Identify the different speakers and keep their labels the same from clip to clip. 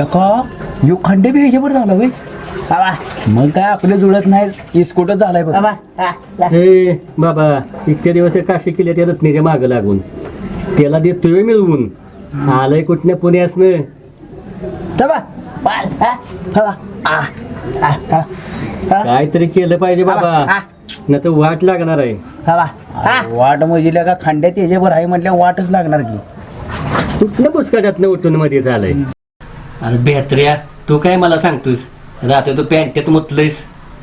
Speaker 1: लका यो खंडे बी ह्याच्यावर झाला होय बाबा. मग काय आपलं जुळत नाही इस्कोटच झालाय बघ बाबा.
Speaker 2: हे बाबा इतक्या दिवस ते काशी केल्या त्या रत्नीच्या मागं लागून त्याला देतोय मिळवून आलंय कुठल्या पुण्यासनं काहीतरी केलं पाहिजे बाबा नाही तर वाट लागणार आहे.
Speaker 1: वाट म्हणजे का खंड्यात त्याच्यावर आहे म्हटल्या वाटच लागणार की.
Speaker 2: कुठल्या पुस्तकातनं उठून मध्ये झालंय. अरे बेहत्र्या तू काय मला सांगतोस रात्री तू पॅन्टेत मुतलंयस.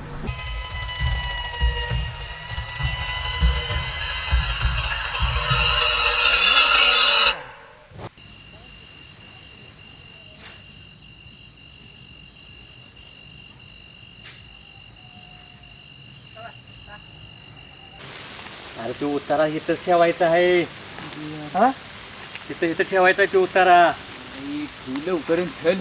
Speaker 2: अरे तू उतारा इथंच ठेवायचा आहे. इथं ठेवायचा आहे तू उतारा.
Speaker 1: लवकर चल.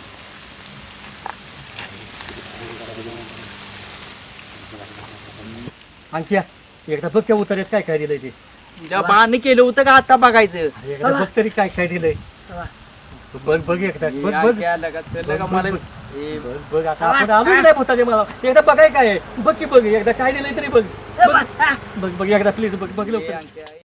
Speaker 2: आणखी एकदा बघ त्या उतार्यात काय काय दिलंय ते.
Speaker 1: बाण केलं होतं का आता बघायचं.
Speaker 2: एकदा बघ तरी काय काय दिलंय. बघ बघ एकदा बघ बघ बघ आता आपण आलोच नाही भूताचे मला एकदा बघाय काय बघ की बघ एकदा काय दिलंय तरी बघ बघ बघ एकदा प्लीज बघ बघ लवकर.